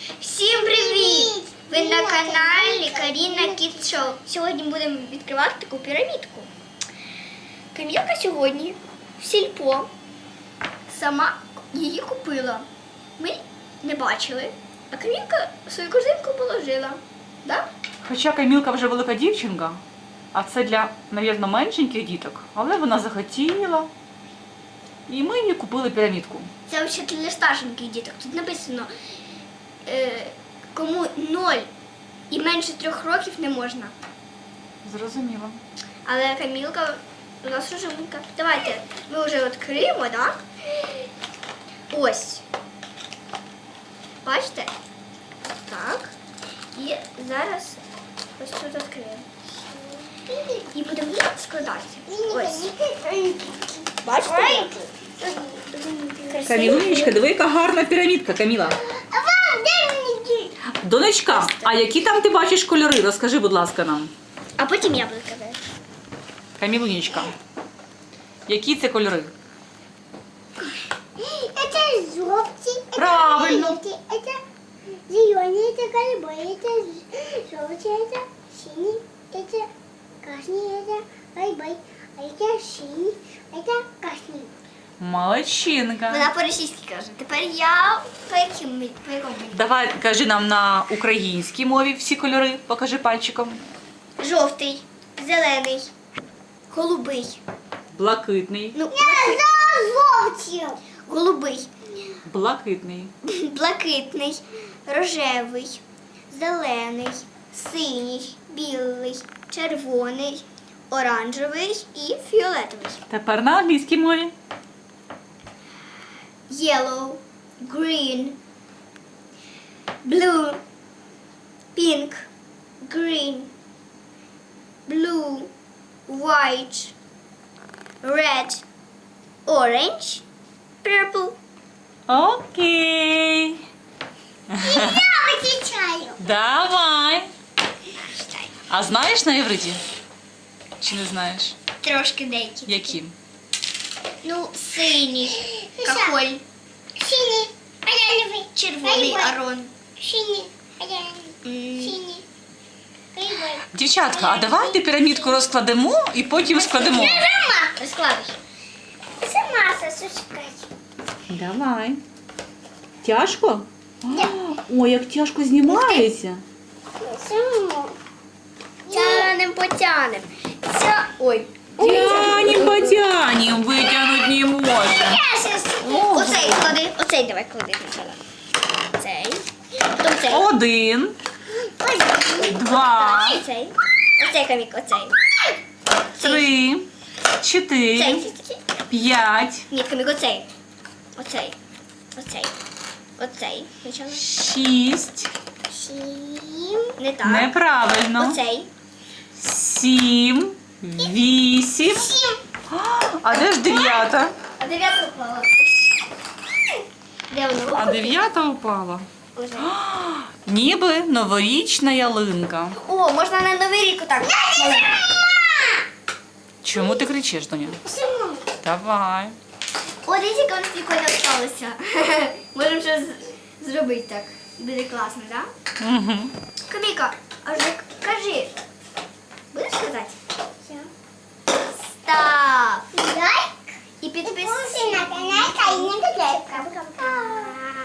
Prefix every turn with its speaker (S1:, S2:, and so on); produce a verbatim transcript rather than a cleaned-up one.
S1: Всім привіт! Ви на каналі Каріна Кідс Шоу. Сьогодні будемо відкривати таку пірамідку. Камілка сьогодні в сільпо сама її купила. Ми не бачили, а Камілка свою корзинку положила. Да?
S2: Хоча Камілка вже велика дівчинка, а це для, мабуть, меншеньких діток, але вона захотіла. І ми їй купили пірамідку.
S1: Це взагалі для старшеньких діток. Тут написано, е, кому ноль і менше трьох років не можна.
S2: Зрозуміло.
S1: Але Камілка у нас розумненька. Давайте ми вже відкриємо, так? Ось. Бачите? Так. І зараз ось тут відкриємо. І будемо складати. Ось. Бачите?
S2: Камілунечка, диви, яка гарна пірамідка, Каміла. Донечка, а які там ти бачиш кольори? Розкажи, будь ласка, нам.
S1: А потім я буду казати.
S2: Камілунечка, які це кольори?
S3: Это желтый,
S2: Правильно.
S3: это зеленый, это голубой, это желтый, это синий, это красный, это голубой, а это синий, это красный.
S2: Молодчинка.
S1: Вона по-російськи каже. Тепер я по яким по якому?
S2: Давай, кажи нам на українській мові всі кольори, покажи пальчиком.
S1: Жовтий, зелений, голубий.
S2: Блакитний,
S1: Ну,
S3: Я за желтый.
S1: голубий,
S2: блакитний,
S1: блакитний, рожевий, зелений, синій, білий, червоний, оранжевий і фіолетовий.
S2: Тепер на англійській мові.
S1: Yellow, green, blue, pink, green, blue, white, red, orange, purple.
S2: Окей.
S3: Я отвечаю.
S2: Давай. А знаєш на євриті? Чи не знаєш?
S1: Трошки деякі.
S2: Яким?
S1: Ну, синій, кахоль,
S3: Синий, оранжевый,
S1: червоний,
S3: голубой.
S1: арон.
S3: Синий, оранжевый,
S1: М,
S3: синий, голубой.
S2: Дівчатка, а давайте пірамідку розкладемо і потім складемо.
S3: Сама,
S1: Розкладуй.
S3: сама сосускать.
S2: Давай. Тяжко? Ой, як тяжко знімається.
S3: Сама.
S1: Тянем, потянем. Ця... Ой.
S2: Тянем, потянем, витягнути не може.
S3: Я сейчас.
S1: Оцей клади, оцей давай клади спочатку. Цей. Потім цей.
S2: Один, два,
S1: Оцей. Оцей камік, оцей.
S2: три,
S1: Цей,
S2: чотири,
S1: цей, цей.
S2: п'ять,
S1: Ні, камік, оцей. Оцей. Оцей. Оцей. Спочатку.
S2: шість.
S3: Сим.
S1: Не так.
S2: Неправильно.
S1: Оцей.
S2: Сім, вісім. А де ж дев'ята?
S1: А дев'ятка впала. Де воно?
S2: А дев'ята упала.
S1: Ось.
S2: Ніби новорічна ялинка.
S1: О, можна на Новий рік отак.
S2: Чому ти кричиш, доня?
S3: Сама.
S1: О,
S2: Давай.
S1: дивіться, як воно прикольно сталося. Можемо щось зробити так. Буде класно, так?
S2: Угу.
S1: Каміка, а вже кажи. Будеш казати?
S3: Всё.
S1: Став.
S3: Лайк.
S1: І підписуйся.
S3: Підписуйся на канал Каріна Кідс. Пока-пока.